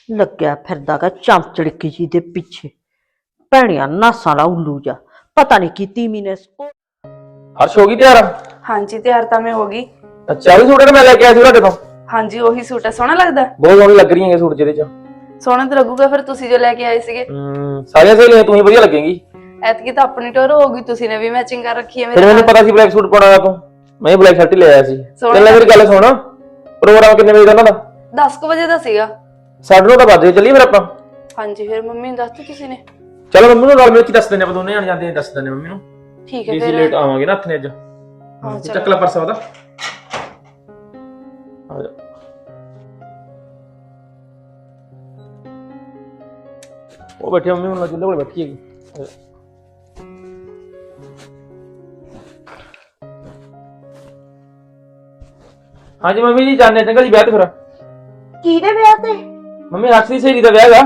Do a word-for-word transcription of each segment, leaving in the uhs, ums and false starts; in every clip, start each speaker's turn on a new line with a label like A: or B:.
A: ਲੱਗਿਆ ਫਿਰਦਾਗਾ ਚਮਚੜਕੀ ਜੀ ਦੇ ਪਿੱਛੇ। ਭੈਣਿਆ ਨਾਸਾਂ ਲਾ ਉੱਲੂ ਜਾ, ਪਤਾ ਨਹੀਂ ਕੀ ਤੀਮੀ ਨੇ।
B: ਹਰਸ਼ ਹੋ ਗਈ ਤਿਆਰ?
C: ਹਾਂਜੀ ਤਿਆਰ ਤਾਂ ਮੈਂ ਹੋ ਗਈ।
B: ਅੱਛਾ ਵੀ ਸੂਟ ਮੈਂ ਲੈ ਕੇ ਆਇਆ ਸੀ ਤੁਹਾਡੇ ਤੋਂ।
C: ਹਾਂਜੀ ਉਹੀ ਸੂਟ ਹੈ, ਸੋਹਣਾ ਲੱਗਦਾ?
B: ਬਹੁਤ ਸੋਹਣੀ ਲੱਗ ਰਹੀ ਹੈ ਸੂਟ ਜਿਹਦੇ ਚ।
C: ਸੋਹਣਾ ਤਾਂ ਲੱਗੂਗਾ ਫਿਰ ਤੁਸੀਂ ਜੋ ਲੈ ਕੇ ਆਏ ਸੀਗੇ।
B: ਹੂੰ ਸਾਰੀਆਂ ਸਹੇਲੀਆਂ ਤੂੰ ਹੀ ਵਧੀਆ ਲੱਗੇਗੀ।
C: ਐਤਕੀ ਤਾਂ ਆਪਣੀ ਟੋਰ ਹੋ ਗਈ, ਤੁਸੀਂ ਨੇ ਵੀ ਮੈਚਿੰਗ ਕਰ ਰੱਖੀ ਹੈ
B: ਫਿਰ ਮੈਨੂੰ ਪਤਾ ਸੀ ਬਲੈਕ ਸੂਟ ਪਾਉਣਾ ਤੂੰ, ਮੈਂ ਬਲੈਕ ਸ਼ਰਟ ਹੀ ਲੈ ਆਇਆ ਸੀ। ਚੱਲ ਮੇਰੀ ਗੱਲ ਸੁਣ, ਪ੍ਰੋਗਰਾਮ ਕਿੰਨੇ ਵਜੇ ਦਾ ਉਹਨਾਂ ਦਾ?
C: ਦਸ ਕੁ ਵਜੇ ਦਾ ਸੀਗਾ।
B: ਸਾਢੇ ਨੌ ਤਾਂ ਵੱਜ ਚੱਲੀਏ ਫਿਰ ਆਪਾਂ।
C: ਹਾਂਜੀ ਫਿਰ ਮੰਮੀ ਨੂੰ ਦੱਸਤੀ ਤੁਸੀਂ ਨੇ?
B: ਚਲੋ ਮੰਮੀ ਨੂੰ ਨਾਲ ਮਿਲ ਕੇ ਦੱਸ ਦਿੰਦੇ ਆਪਾਂ, ਦੋਨੇ ਜਾਣ ਜਾਂਦੇ ਆ, ਦੱਸ ਦਿੰਦੇ ਮੰਮੀ ਨੂੰ।
C: ਠੀਕ ਹੈ
B: ਫਿਰ
C: ਫਿਰ
B: ਲੇਟ ਆਵਾਂਗੇ ਨਾ ਹੱਥ ਨੇ ਅੱਜ।
C: ਹਾਂ
B: ਚੱਕ ਲੈ ਪਰਸ ਉਹਦਾ। ਆ ਜਾ। ਉਹ ਬੈਠੇ ਮੰਮੀ ਹੁਣ ਚੁੱਲ੍ਹੇ ਕੋਲ ਬੈਠੀ ਹੈਗੀ। ਹਾਂਜੀ ਮੰਮੀ ਜੀ ਜਾਣੇ ਚੰਗਾ ਜੀ ਵਿਆਹ ਤੇ ਫਿਰ।
A: ਕਿਹਦੇ ਵਿਆਹ ਤੇ?
B: ਮੰਮੀ ਹਰਸ਼ ਦੀ ਸਹੇਲੀ ਦਾ ਵਿਆਹ ਹੈਗਾ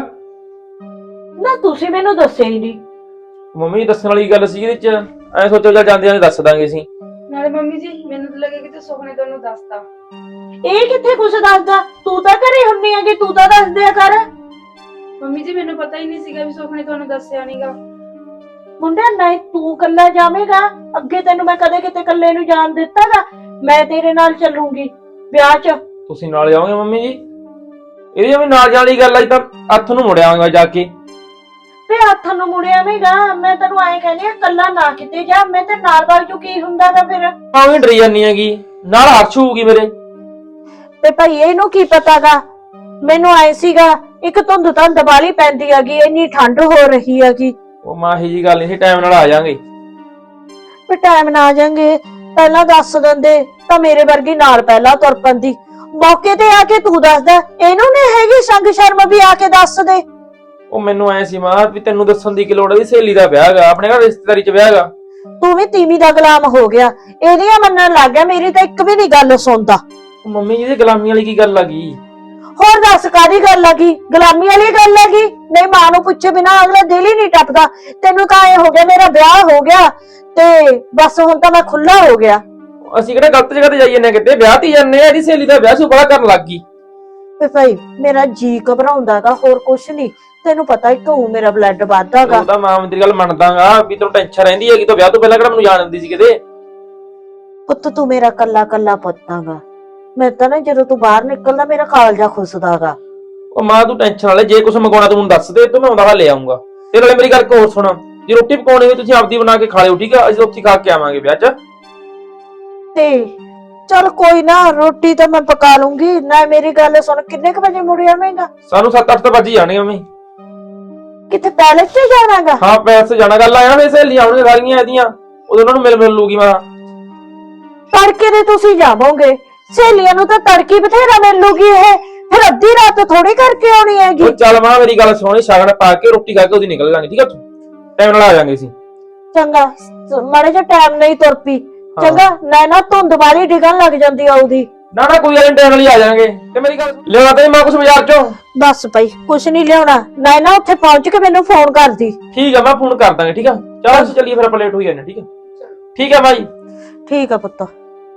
A: ਨਾ, ਤੁਸੀਂ ਮੈਨੂੰ ਦੱਸਿਆ ਹੀ ਨਹੀਂ।
B: ਮੰਮੀ ਦੱਸਣ ਵਾਲੀ ਗੱਲ ਸੀ ਇਹਦੇ ਚ, ਐ ਸੋਚੋ ਚੱਲ ਜਾਂਦੇ ਆਂ ਦੱਸ ਦਾਂਗੇ ਅਸੀਂ।
C: ਨਾਲੇ ਮੰਮੀ ਜੀ ਮੈਨੂੰ ਤਾਂ ਲੱਗੇ ਕਿ ਤੇ ਸੁਖਨੇ ਤੁਹਾਨੂੰ ਦੱਸਤਾ।
A: ਇਹ ਕਿੱਥੇ ਕੁਛ ਦੱਸਦਾ? ਤੂੰ ਤਾਂ ਘਰੇ ਹੁੰਨੀ ਆ ਕਿ ਤੂੰ ਤਾਂ ਦੱਸ ਦਿਆ ਕਰ।
C: ਮੰਮੀ ਜੀ ਮੈਨੂੰ ਪਤਾ ਹੀ ਨਹੀਂ ਸੀਗਾ ਵੀ ਸੁਖਨੇ ਤੁਹਾਨੂੰ ਦੱਸਿਆ ਨਹੀਂਗਾ।
A: ਮੁੰਡਿਆ ਨਹੀਂ ਤੂੰ ਕੱਲਾ ਜਾਵੇਂਗਾ, ਅੱਗੇ ਤੈਨੂੰ ਮੈਂ ਕਦੇ ਕਿਤੇ ਕੱਲੇ ਨੂੰ ਜਾਣ ਦਿੱਤਾਗਾ? ਮੈਂ ਤੇਰੇ ਨਾਲ ਚੱਲੂੰਗੀ ਵਿਆਹ 'ਚ।
B: ਤੁਸੀਂ ਨਾਲ ਜਾਓਗੇ ਮੰਮੀ ਜੀ? ਇਹਦੀ ਜਿਵੇਂ ਨਾਲ ਜਾਣ ਵਾਲੀ ਗੱਲ ਆਈ ਤਾਂ ਹੱਥ ਨੂੰ ਮੁੜ ਆਵਾਂਗਾ ਜਾ ਕੇ।
A: ਤੇ ਹੱਥ ਨੂੰ ਮੁੜਿਆ ਵੇਗਾ, ਮੈਂ ਤੈਨੂੰ ਐਂ ਕਹਿੰਦੀ ਆ ਕੱਲਾ ਨਾ ਕਿਤੇ ਜਾ, ਮੈਂ ਤੇ ਨਾਲ ਵਗ ਜੂ। ਕੀ ਹੁੰਦਾਗਾ ਫਿਰ?
B: ਭਾਵੇਂ ਡਰੀ ਜਾਨੀ ਹੈਗੀ, ਨਾਲ ਹਰਸ਼ ਹੋਊਗੀ ਮੇਰੇ।
A: ਤੇ ਭਾਈ ਇਹਨੂੰ ਕੀ ਪਤਾਗਾ? ਮੈਨੂੰ ਐ ਸੀਗਾ ਇੱਕ ਧੁੰਦ ਧੰਦ ਵਾਲੀ ਪੈਂਦੀ ਹੈਗੀ, ਇੰਨੀ ਠੰਡ ਹੋ ਰਹੀ ਹੈਗੀ।
B: ਉਹ ਮਾਂ ਇਹੀ ਜੀ ਗੱਲ ਨਹੀਂ ਸੀ, ਟਾਈਮ ਨਾਲ ਆ ਜਾਾਂਗੇ।
A: ਵੀ ਟਾਈਮ ਨਾ ਆ ਜਾਾਂਗੇ, ਪਹਿਲਾਂ ਦੱਸ ਦਿੰਦੇ ਤਾਂ ਮੇਰੇ ਵਰਗੀ ਨਾਲ ਪਹਿਲਾਂ ਤੁਰ ਪੈਂਦੀ। ਮੌਕੇ ਤੇ ਆ ਕੇ ਤੂੰ ਦੱਸਦਾ, ਇਹਨੂੰ ਨਹੀਂ ਹੈਗੀ ਸੰਗ ਸ਼ਰਮ ਵੀ ਆ ਕੇ ਦੱਸ ਦੇ।
B: ਉਹ ਮੈਨੂੰ ਐ ਸੀ ਮਾਂ ਵੀ ਤੈਨੂੰ ਦੱਸਣ ਦੀ ਕੀ ਲੋੜ ਹੈ, ਸਹੇਲੀ ਦਾ ਵਿਆਹ ਹੈਗਾ, ਆਪਣੇ ਘਰ ਰਿਸ਼ਤੇਦਾਰੀ 'ਚ ਵਿਆਹ ਹੈਗਾ।
A: ਤੂੰ ਵੀ ਤੀਵੀਂ ਦਾ ਗੁਲਾਮ ਹੋ ਗਿਆ, ਇਹਦੀਆਂ ਮੰਨਣ ਲੱਗ ਗਿਆ, ਮੇਰੀ ਤਾਂ ਇੱਕ ਵੀ ਨਹੀਂ ਗੱਲ ਸੁਣਦਾ।
B: ਮੰਮੀ ਜੀ ਦੀ ਗੁਲਾਮੀ ਵਾਲੀ ਕੀ ਗੱਲ ਆ ਗਈ?
A: ਹੋਰ ਦੱਸ ਕਾਹਦੀ ਗੱਲ ਆ ਗਈ? ਗੁਲਾਮੀ ਵਾਲੀ ਗੱਲ ਆ ਗਈ? ਨਹੀਂ ਮਾਂ ਨੂੰ ਪੁੱਛੇ ਬਿਨਾ ਅਗਲਾ ਦਿਲ ਹੀ ਨਹੀਂ ਟੱਪਦਾ। ਤੈਨੂੰ ਤਾਂ ਐ ਹੋ ਗਿਆ ਮੇਰਾ ਵਿਆਹ ਹੋ ਗਿਆ ਤੇ ਬਸ ਹੁਣ ਤਾਂ ਮੈਂ ਖੁੱਲਾ ਹੋ ਗਿਆ।
B: ਅਸੀਂ ਕਿਹੜਾ ਗਲਤ ਜਗ੍ਹਾ ਤੇ ਜਾਈ ਜਾਂਦੇ ਕਿਤੇ, ਵਿਆਹ ਤੇ ਜਾਂਦੇ ਆ। ਇਹਦੀ ਸਹੇਲੀ ਦਾ ਵਿਆਹ ਸੁ ਬੜਾ ਕਰਨ ਲੱਗ ਗਈ।
A: ਤੇ ਭਾਈ ਮੇਰਾ ਜੀ ਘਬਰਾਉਂਦਾਗਾ, ਹੋਰ ਕੁਛ ਨਹੀਂ। ਤੈਨੂੰ ਪਤਾ ਹੀ ਤੂੰ ਮੇਰਾ ਬਲੱਡ ਵੱਧਦਾਗਾ।
B: ਉਹ ਤਾਂ ਮਾਂ ਮੇਰੀ ਗੱਲ ਮੰਨਦਾਗਾ ਵੀ ਤੈਨੂੰ ਟੈਨਸ਼ਨ ਰਹਿੰਦੀ ਹੈਗੀ, ਤਾਂ ਵਿਆਹ ਤੋਂ ਪਹਿਲਾਂ ਕਿਹੜਾ ਮੈਨੂੰ ਜਾਣ ਦਿੰਦੀ ਸੀ ਕਿਤੇ।
A: ਪੁੱਤ ਤੂੰ ਮੇਰਾ ਕੱਲਾ ਕੱਲਾ ਪੁੱਤਾਗਾ, ਮੈਂ ਤਾਂ ਨਾ ਜਦੋਂ ਤੂੰ ਬਾਹਰ ਨਿਕਲਦਾ ਮੇਰਾ ਕਾਲਜਾ ਖੁੱਸਦਾਗਾ।
B: ਉਹ ਮਾਂ ਤੂੰ ਟੈਨਸ਼ਨ ਨਾ ਲੈ, ਜੇ ਕੁਝ ਮੰਗਾਉਣਾ ਤੂੰ ਮੈਨੂੰ ਦੱਸ ਦੇ, ਤੂੰ ਮੈਂ ਆਉਂਦਾ ਲੈ ਆਉਂਗਾ। ਤੇ ਨਾਲੇ ਮੇਰੀ ਗੱਲ ਇੱਕ ਹੋਰ ਸੁਣ, ਜੇ ਰੋਟੀ ਪਕਾਉਣੀ ਹੋਈ ਤੁਸੀਂ ਆਪਦੀ ਬਣਾ ਕੇ ਖਾ ਲਿਓ, ਠੀਕ ਆ? ਅਸੀਂ ਉੱਥੇ ਖਾ ਕੇ ਆਵਾਂਗੇ ਵਿਆਹ 'ਚ।
A: ਤੇ ਚਲ ਕੋਈ ਨਾ, ਰੋਟੀ ਤਾਂ ਮੈਂ ਪਕਾ ਲੂੰਗੀ ਨਾ। ਮੇਰੀ ਗੱਲ ਸੁਣ, ਕਿੰਨੇ ਕ ਵਜੇ ਮੁੜ ਆਵੇਂਗਾ?
B: ਸਾਨੂੰ ਸੱਤ ਅੱਠ ਤਾਂ ਵੱਜ ਹੀ ਜਾਣੇ ਮੰਮੀ।
A: ਕਿੱਥੇ ਪੈਲੇਸ 'ਚ ਜਾਣਾਗਾ?
B: ਹਾਂ ਪੈਲੇਸ ਜਾਣਾ। ਗੱਲ ਆਇਆ ਵੇ ਸਹੇਲੀਆਂ ਆਉਣਗੀਆਂ ਸਾਰੀਆਂ ਇਹਦੀਆਂ, ਉਦੋਂ ਉਹਨਾਂ ਨੂੰ ਮਿਲ ਮਿਲ ਲੂਗੀ ਮਾਂ।
A: ਤੜਕੇ ਦੇ ਤੁਸੀਂ ਜਾਵੋਗੇ, ਸਹੇਲੀਆਂ ਨੂੰ ਤਾਂ ਤੜਕੀ ਬਥੇਰਾ ਮਿਲ ਲੂਗੀ। ਇਹ ਫਿਰ ਅੱਧੀ ਰਾਤ ਥੋੜੀ ਕਰਕੇ ਆਉਣੀ ਹੈਗੀ।
B: ਉਹ ਚੱਲ ਮਾਂ ਮੇਰੀ ਗੱਲ ਸੁਣੀ, ਸ਼ਗਨ ਪਾ ਕੇ ਰੋਟੀ ਖਾ ਕੇ ਉਹਦੀ ਨਿਕਲ ਜਾਾਂਗੇ, ਠੀਕ ਆ? ਟਾਈਮ ਨਾਲ ਆ ਜਾਾਂਗੇ ਅਸੀਂ।
A: ਚੰਗਾ ਮਾੜੇ ਜਿਹਾ ਟਾਈਮ ਨਹੀਂ ਤੁਰ ਪਈ, ਚੰਗਾ? ਨਾ ਨਾ ਧੁੰਦ ਵਾਲੀ ਡਿੱਗਣ ਲੱਗ ਜਾਂਦੀ ਆ ਉਹਦੀ।
B: ਨਾ ਨਾ ਕੋਈ ਗੱਲ ਨੀ, ਟਾਈਮ ਨਾਲ ਹੀ ਆ ਜਾਾਂਗੇ। ਤੇ ਮੇਰੀ ਗੱਲ ਲਿਆਉਣਾ ਤੇ ਮਾਂ ਕੁਛ ਬਾਜ਼ਾਰ ਚੋਂ?
A: ਬਸ ਭਾਈ ਕੁਛ ਨਹੀਂ ਲਿਆਉਣਾ, ਨਾ ਨਾ ਉੱਥੇ ਪਹੁੰਚ ਕੇ ਮੈਨੂੰ ਫੋਨ ਕਰਦੀ।
B: ਠੀਕ ਆ ਮੈਂ ਫੋਨ ਕਰ ਦਾਂਗੇ, ਠੀਕ ਆ? ਚਲ ਅਸੀਂ ਚੱਲੀਏ ਫਿਰ, ਆਪਾਂ ਲੇਟ ਹੋਈ ਜਾਂਦੇ, ਠੀਕ ਆ? ਠੀਕ ਆ ਭਾਈ।
A: ਠੀਕ ਆ ਪੁੱਤ।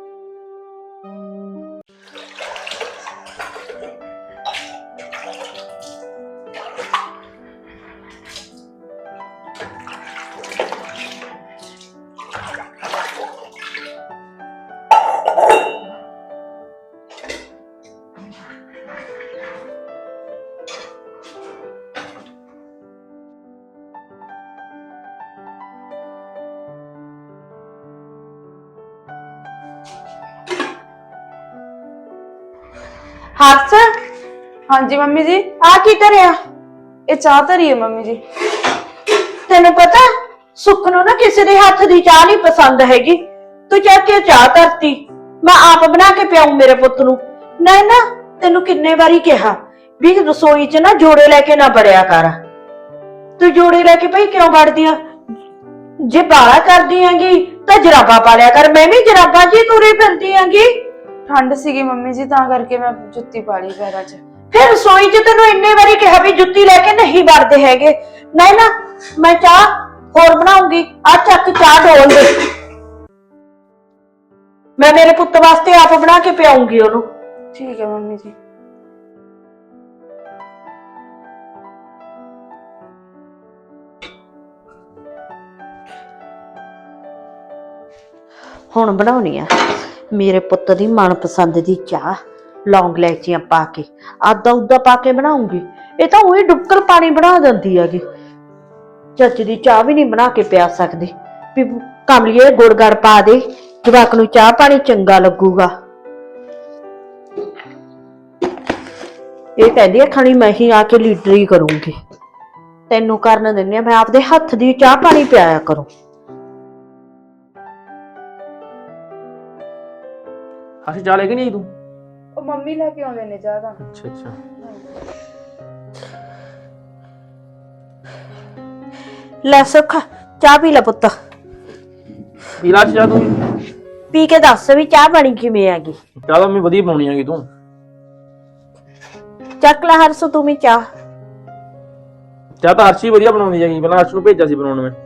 A: ਹਰਸ,
C: ਹਾਂਜੀ ਮੰਮੀ ਜੀ।
A: ਆ ਕੀ ਕਰਿਆ?
C: ਇਹ ਚਾਹ ਧਰੀ ਹੈ ਮੰਮੀ ਜੀ।
A: ਤੈਨੂੰ ਪਤਾ ਸੁੱਖ ਨੂੰ ਨਾ ਕਿਸੇ ਦੇ ਹੱਥ ਦੀ ਚਾਹ ਨਹੀਂ ਪਸੰਦ ਹੈਗੀ। ਤੂੰ ਚੱਕ ਕੇ ਚਾਹ ਧਰਤੀ, ਮੈਂ ਆਪ ਬਣਾ ਕੇ ਪਿਆਉਂ ਮੇਰੇ ਪੁੱਤ ਨੂੰ। ਨਾ ਨਾ ਤੈਨੂੰ ਕਿੰਨੇ ਵਾਰੀ ਕਿਹਾ ਵੀ ਰਸੋਈ 'ਚ ਨਾ ਜੋੜੇ ਲੈ ਕੇ ਨਾ ਵੜਿਆ ਕਰ। ਤੂੰ ਜੋੜੇ ਲੈ ਕੇ ਭਾਈ ਕਿਉਂ ਵੜਦੀ ਆ? ਜੇ ਬਾਲਾ ਕਰਦੀ ਹੈਗੀ ਤਾਂ ਜਰਾਬਾਂ ਪਾ ਲਿਆ ਕਰ। ਮੈਂ ਵੀ ਜਰਾਬਾਂ 'ਚ ਹੀ ਤੁਰੀ ਫਿਰਦੀ ਹੈਗੀ।
C: ਠੰਡ ਸੀਗੀ ਮੰਮੀ ਜੀ, ਤਾਂ ਕਰਕੇ ਮੈਂ ਜੁੱਤੀ ਪਾ ਲਈ ਪੈਰਾਂ 'ਚ।
A: ਫਿਰ ਰਸੋਈ 'ਚ ਤੈਨੂੰ ਇੰਨੇ ਵਾਰੀ ਕਿਹਾ ਵੀ ਜੁੱਤੀ ਲੈ ਕੇ ਨਹੀਂ ਵੜਦੇ ਹੈਗੇ। ਨਹੀਂ ਨਾ ਮੈਂ ਚਾਹ ਹੋਰ ਬਣਾਉਂਗੀ, ਆ ਚੱਕ ਚਾਹ ਢੋਲ ਦੇ। ਮੈਂ ਮੇਰੇ ਪੁੱਤ ਵਾਸਤੇ ਆਪ ਬਣਾ ਕੇ ਪਿਆਉਂਗੀ ਉਹਨੂੰ।
C: ਠੀਕ ਹੈ ਮੰਮੀ ਜੀ।
A: ਹੁਣ ਬਣਾਉਣੀ ਆ ਮੇਰੇ ਪੁੱਤ ਦੀ ਮਨਪਸੰਦ ਦੀ ਚਾਹ, ਲੌਂਗ ਲੈਚੀਆਂ ਪਾ ਕੇ, ਆਦਾ ਉਦਾ ਪਾ ਕੇ ਬਣਾਉਂਗੀ। ਇਹ ਤਾਂ ਉਹੀ ਡੁੱਕਰ ਪਾਣੀ ਬਣਾ ਦਿੰਦੀ ਹੈਗੀ। ਚੱਜ ਦੀ ਚਾਹ ਵੀ ਨਹੀਂ ਬਣਾ ਕੇ ਪਿਆ ਸਕਦੀ ਵੀ ਕਮਲੀਏ ਗੁੜ ਗੜ ਪਾ ਦੇ, ਜਵਾਕ ਨੂੰ ਚਾਹ ਪਾਣੀ ਚੰਗਾ ਲੱਗੂਗਾ। ਇਹ ਕਹਿੰਦੀ ਹੈ ਖਣੀ ਮੈਂ ਹੀ ਆ ਕੇ ਲੀਡਰੀ ਕਰੂੰਗੀ, ਤੈਨੂੰ ਕਰਨ ਦਿੰਦੀ ਆ, ਮੈਂ ਆਪਦੇ ਹੱਥ ਦੀ ਚਾਹ ਪਾਣੀ ਪਿਆਇਆ ਕਰੂੰ।
B: ਅਸੀਂ ਚਾਹ ਲੈ ਕੇ ਨਹੀਂ ਆਈ ਤੂੰ?
C: ਉਹ ਮੰਮੀ ਲੈ ਕੇ ਆਉਂਦੇ ਨੇ ਚਾਹ ਤਾਂ।
B: ਅੱਛਾ ਅੱਛਾ।
A: ਲੈ ਸੁੱਖ ਚਾਹ ਪੀ ਲੈ ਪੁੱਤ,
B: ਪੀ ਲਾ ਚਾਹ ਤੂੰ।
A: ਪੀ ਕੇ ਦੱਸ ਵੀ ਚਾਹ ਬਣੀ ਕਿਵੇਂ ਹੈਗੀ।
B: ਚਾਹ ਤਾਂ ਮੈਂ ਵਧੀਆ ਬਣਾਉਣੀ ਹੈਗੀ ਤੂੰ।
A: ਚੱਕ ਲੈ ਹਰਸੂ ਤੂੰ ਵੀ ਚਾਹ।
B: ਚਾਹ ਤਾਂ ਹਰਸ਼ੀ ਵਧੀਆ ਬਣਾਉਂਦੀ ਹੈਗੀ, ਪਹਿਲਾਂ ਹਰਸ਼ ਨੂੰ ਭੇਜਿਆ ਸੀ ਬਣਾਉਣ ਮੈਂ।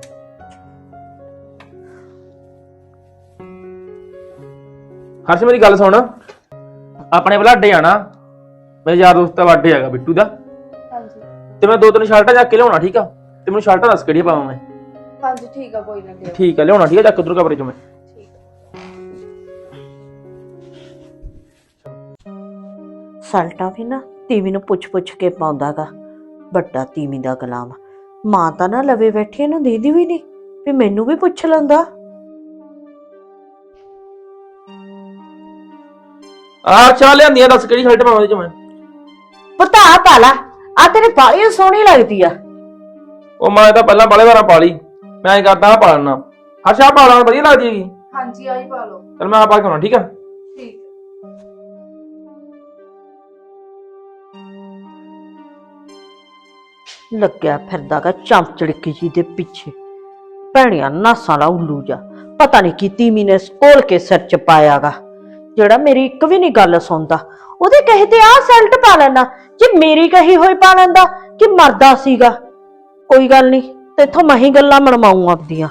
B: ਹਰਸ਼ ਮੇਰੀ ਗੱਲ ਸੁਣ, ਆਪਣੇ ਬਲਾਡੇ ਆਣਾ, ਮੇਰੇ ਯਾਰ ਦੋਸਤ ਦਾ ਬਰਥਡੇ ਹੈਗਾ ਬਿੱਟੂ ਦਾ,
C: ਹਾਂਜੀ
B: ਤੇ ਮੈਂ ਦੋ ਤਿੰਨ ਸ਼ਰਟਾਂ ਚੱਕ ਕੇ ਲਿਆਉਣਾ, ਠੀਕ ਆ? ਤੇ ਮੈਨੂੰ ਸ਼ਰਟਾਂ ਦੱਸ ਕਿਹੜੀਆਂ ਪਾਵਾਂ ਮੈਂ।
C: ਹਾਂਜੀ ਠੀਕ ਆ, ਕੋਈ ਨਾ ਲਿਓ।
B: ਠੀਕ ਆ ਲਿਆਉਣਾ, ਠੀਕ ਆ? ਚੱਕ ਉਧਰ ਕਮਰੇ ਚੋਂ ਮੈਂ।
C: ਠੀਕ
A: ਸਲਟਾ ਵੀ ਨਾ ਤੀਵੀ ਨੂੰ ਪੁੱਛ ਪੁੱਛ ਕੇ ਪਾਉਂਦਾਗਾ, ਵੱਡਾ ਤੀਵੀ ਦਾ ਗੁਲਾਮ। ਮਾਂ ਤਾਂ ਨਾ ਲਵੇ ਬੈਠੀ ਇਹਨੂੰ ਦੀਦੀ ਵੀ ਨਹੀਂ ਵੀ ਮੈਨੂੰ ਵੀ ਪੁੱਛ ਲੈਂਦਾ।
B: ਆਹ ਚਾਹ ਲਿਆਂਦੀਆਂ, ਦੱਸ ਕਿਹੜੀ ਸ਼ਰਟ ਪਾਵਾਂ ਉਹਦੇ ਚ ਮੈਂ।
A: ਪੁੱਤ ਆ ਪਾ ਲਾ, ਆ ਤੇਰੇ ਬਾਲੀ ਸੋਹਣੀ ਲੱਗਦੀ ਆ।
B: ਉਹ ਮੈਂ ਤਾਂ ਪਹਿਲਾਂ ਬਾਲੇ ਵਾਰਾਂ ਪਾ ਲਈ, ਮੈਂ ਐਂ ਕਰਦਾ ਆ ਪਾ ਲੈਣਾ। ਹਰਸ਼ ਆਹ ਪਾ ਲਾ, ਵਧੀਆ ਲੱਗਦੀ ਹੈਗੀ।
C: ਹਾਂਜੀ ਆਹੀ ਪਾ ਲਓ।
B: ਚਲ ਮੈਂ ਆ ਪਾ ਕੇ ਆਉਣਾ, ਠੀਕ ਆ?
C: ਠੀਕ।
A: ਲੱਗਿਆ ਫਿਰਦਾਗਾ ਚਮਚੜਕੀ ਜੀ ਦੇ ਪਿੱਛੇ, ਭੈਣੀਆਂ ਨਾਸਾਂ ਲਾ ਉੱਲੂ ਜਾ। ਪਤਾ ਨਹੀਂ ਕੀ ਤੀਮੀ ਨੇ ਕੋਲ ਕੇ ਸਿਰ ਚ ਪਾਇਆਗਾ, ਜਿਹੜਾ ਮੇਰੀ ਇੱਕ ਵੀ ਨਹੀਂ ਗੱਲ ਸੁਣਦਾ। ਉਹਦੇ ਕਹੇ ਤੇ ਆਹ ਸੈਲਟ ਪਾ ਲੈਣਾ, ਜੇ ਮੇਰੀ ਕਹੀ ਹੋਈ ਪਾ ਲੈਂਦਾ ਕਿ ਮਰਦਾ ਸੀਗਾ। ਕੋਈ ਗੱਲ ਨਹੀਂ, ਤੇਥੋਂ ਮੈਂ ਹੀ ਗੱਲਾਂ ਮਨਵਾਉਂ ਆਪਦੀਆਂ।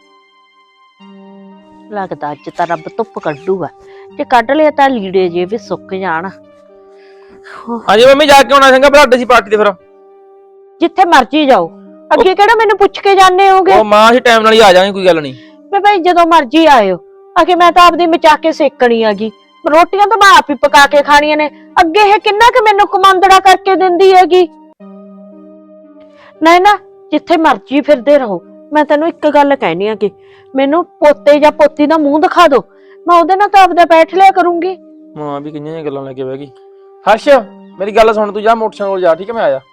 A: ਲੱਗਦਾ ਅੱਜ ਤਾਂ ਰੱਬ ਧੁੱਪ ਕੱਢੂਗਾ, ਜੇ ਕੱਢ ਲਿਆ ਤਾਂ ਲੀੜੇ ਜੇ ਵੀ ਸੁੱਕ ਜਾਣ।
B: ਹਾਂਜੀ ਮੰਮੀ, ਜਾ ਕੇ ਆਉਣਾ ਚੰਗਾ ਬਲਾਡੇ ਸੀ ਪਾਰਟੀ ਤੇ ਫਿਰ।
A: ਜਿੱਥੇ ਮਰਜੀ ਜਾਓ, ਅੱਗੇ ਕਿਹੜਾ ਮੈਨੂੰ ਪੁੱਛ ਕੇ ਜਾਂਦੇ ਹੋਗੇ?
B: ਉਹ ਮਾਂ ਅਸੀਂ ਟਾਈਮ ਨਾਲ ਹੀ ਆ ਜਾਵਾਂਗੇ, ਕੋਈ ਗੱਲ ਨਹੀਂ।
A: ਮੈਂ ਭਾਈ ਜਦੋਂ ਮਰਜੀ ਆਇਓ, ਆਖੇ ਮੈਂ ਤਾਂ ਆਪਦੀ ਮਚਾ ਕੇ ਸੇਕਣੀ ਹੈਗੀ, ਰੋਟੀਆਂ ਤਾਂ ਮੈਂ ਆਪ ਹੀ ਪਕਾ ਕੇ ਖਾਣੀਆਂ ਨੇ। ਅੱਗੇ ਇਹ ਕਿੰਨਾ ਕਿ ਮੈਨੂੰ ਕਮਾਂਦੜਾ ਕਰਕੇ ਦਿੰਦੀ ਹੈਗੀ। ਨਹੀਂ ਨਾ, ਜਿੱਥੇ ਮਰਜੀ ਫਿਰਦੇ ਰਹੋ। ਮੈਂ ਤੈਨੂੰ ਇੱਕ ਗੱਲ ਕਹਿਣੀ ਆ ਕਿ ਮੈਨੂੰ ਪੋਤੇ ਜਾਂ ਪੋਤੀ ਦਾ ਮੂੰਹ ਦਿਖਾ ਦੋ, ਮੈਂ ਉਹਦੇ ਨਾਲ ਤਾਂ ਆਪਦਾ ਬੈਠ ਲਿਆ ਕਰੂੰਗੀ।
B: ਮਾਂ ਵੀ ਕਿੰਨੀਆਂ ਜਿਹੀਆਂ ਗੱਲਾਂ ਲੈ ਕੇ ਬਹਿ ਗਈ। ਹਰਸ਼ ਮੇਰੀ ਗੱਲ ਸੁਣ, ਤੂੰ ਜਾ ਮੋਟਰਸਾਈਕਲ ਕੋਲ ਜਾ, ਠੀਕ ਹੈ? ਮੈਂ ਆਇਆ।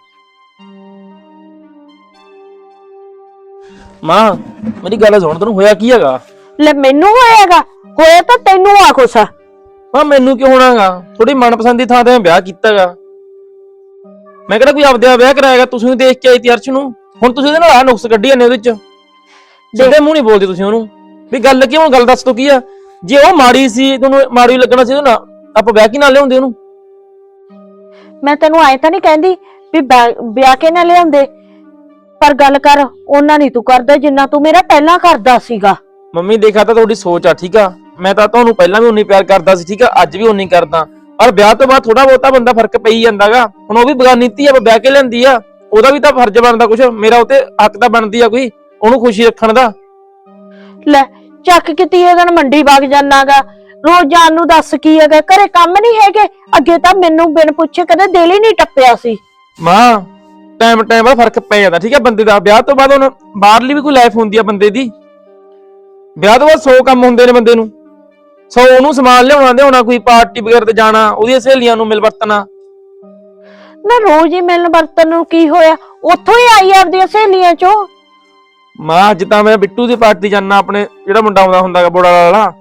B: ਮਾਂ ਮੇਰੀ ਗੱਲ ਸੁਣ, ਤੈਨੂੰ ਹੋਇਆ ਕੀ ਹੈਗਾ?
A: ਲੈ ਮੈਨੂੰ ਹੋਏਗਾ, ਹੋਇਆ ਤਾਂ ਤੈਨੂੰ ਆ ਕੁਛ।
B: ਮਾਂ ਮੈਨੂੰ ਕਿਉਂ ਹੋਣਾਗਾ? ਥੋੜੀ ਮਨਪਸੰਦ ਦੀ ਥਾਂ ਤੇ ਮੈਂ ਵਿਆਹ ਕੀਤਾਗਾ, ਮੈਂ ਕਿਹੜਾ ਕੋਈ ਆਪਦੇ ਵਿਆਹ ਕਰਾਏਗਾ? ਤੁਸੀਂ ਦੇਖ ਕੇ ਆਈ ਤੀ ਅਰਸ਼ ਨੂੰ, ਹੁਣ ਤੁਸੀਂ ਉਹਦੇ ਨਾਲ ਆ ਨੁਕਸ ਕੱਢੀ ਜਾਂਦੇ ਉਹਦੇ ਚ। ਸਿੱਧੇ ਮੂੰਹ ਨਹੀਂ ਬੋਲਦੇ ਤੁਸੀਂ ਉਹਨੂੰ ਵੀ ਗੱਲ ਕੀ। ਹੁਣ ਗੱਲ ਦੱਸ ਤੋ ਕੀ ਆ? ਜੇ ਉਹ ਮਾੜੀ ਸੀ, ਤੁਹਾਨੂੰ ਮਾੜੀ ਲੱਗਣਾ ਸੀ ਉਹਦੇ ਨਾਲ, ਆਪਾਂ ਵਿਆਹ ਕੀ ਨਾਲ ਲਿਆਉਂਦੇ ਉਹਨੂੰ?
A: ਮੈਂ ਤੈਨੂੰ ਆਏ ਤਾਂ ਨਹੀਂ ਕਹਿੰਦੀ ਵੀ ਵਿਆਹ ਕੇ ਨਾ ਲਿਆਉਂਦੇ, ਪਰ ਗੱਲ ਕਰ ਉਹਨਾਂ ਨਹੀਂ ਤੂੰ ਕਰਦਾ ਜਿੰਨਾ ਤੂੰ ਮੇਰਾ ਪਹਿਲਾਂ ਕਰਦਾ ਸੀਗਾ।
B: ਮੰਮੀ ਦੇਖਾ ਤਾਂ ਤੁਹਾਡੀ ਸੋਚ ਆ, ਠੀਕ ਆ? ਮੈਂ ਤਾਂ ਤੁਹਾਨੂੰ ਪਹਿਲਾਂ ਵੀ ਉਨੀ ਪਿਆਰ ਕਰਦਾ ਸੀ, ਠੀਕ ਆ? ਅੱਜ ਵੀ ਉਨੀ ਕਰਦਾ, ਪਰ ਵਿਆਹ ਤੋਂ ਬਾਅਦ ਥੋੜਾ ਬਹੁਤਾ ਬੰਦਾ ਫਰਕ ਪਈ ਜਾਂਦਾਗਾ। ਹੁਣ ਉਹ ਵੀ ਬਗਾਨੀ ਧੀ ਆ, ਵਿਆਹ ਕੇ ਲੈਂਦੀ ਆ, ਉਹਦਾ ਵੀ ਤਾਂ ਫਰਜ਼ ਬਣਦਾ ਕੁਛ, ਮੇਰਾ ਉਤੇ ਹੱਕ ਤਾਂ ਬਣਦੀ ਆ ਕੋਈ, ਉਹਨੂੰ ਖੁਸ਼ੀ ਰੱਖਣ ਦਾ।
A: ਲੈ ਚੱਕ ਕੇ ਤੀਏ ਦਿਨ ਮੰਡੀ ਵਗ ਜਾਣਾਗਾ, ਰੋਜ਼ ਜਾਣ ਨੂੰ ਦੱਸ ਕੀ ਹੈਗਾ? ਘਰੇ ਕੰਮ ਨਹੀਂ ਹੈਗੇ? ਅੱਗੇ ਤਾਂ ਮੈਨੂੰ ਬਿਨ ਪੁੱਛੇ ਕਦੇ ਦਿਲ ਹੀ ਨਹੀਂ ਟੱਪਿਆ ਸੀ।
B: ਮਾਂ ਟਾਈਮ ਟਾਈਮ ਬਾਅਦ ਫਰਕ ਪੈ ਜਾਂਦਾ, ਠੀਕ ਆ? ਬੰਦੇ ਦਾ ਵਿਆਹ ਤੋਂ ਬਾਅਦ ਹੁਣ ਬਾਹਰਲੀ ਵੀ ਕੋਈ ਲਾਈਫ ਹੁੰਦੀ ਆ ਬੰਦੇ ਦੀ। ਵਿਆਹ ਤੋਂ ਬਾਅਦ ਸੌ ਕੰਮ ਹੁੰਦੇ ਨੇ ਬੰਦੇ ਨੂੰ, ਸੌ ਉਹਨੂੰ ਸਮਾਨ ਲਿਆਉਣਾ ਲਿਆਉਣਾ, ਕੋਈ ਪਾਰਟੀ ਵਗੈਰਾ ਤੇ ਜਾਣਾ, ਉਹਦੀਆਂ ਸਹੇਲੀਆਂ ਨੂੰ ਮਿਲ ਵਰਤਣਾ।
A: ਨਾ ਰੋਜ਼ ਹੀ ਮਿਲਣ ਵਰਤਨ ਨੂੰ ਕੀ ਹੋਇਆ? ਉੱਥੋਂ ਹੀ ਆਈ ਆਪਦੀਆਂ ਸਹੇਲੀਆਂ ਚੋਂ।
B: ਮਾਂ ਅੱਜ ਤਾਂ ਮੈਂ ਬਿੱਟੂ ਦੀ ਪਾਰਟੀ ਜਾਣਾ, ਆਪਣੇ ਜਿਹੜਾ ਮੁੰਡਾ ਆਉਂਦਾ ਹੁੰਦਾਗਾ ਬੋੜਾ ਵਾਲਾ।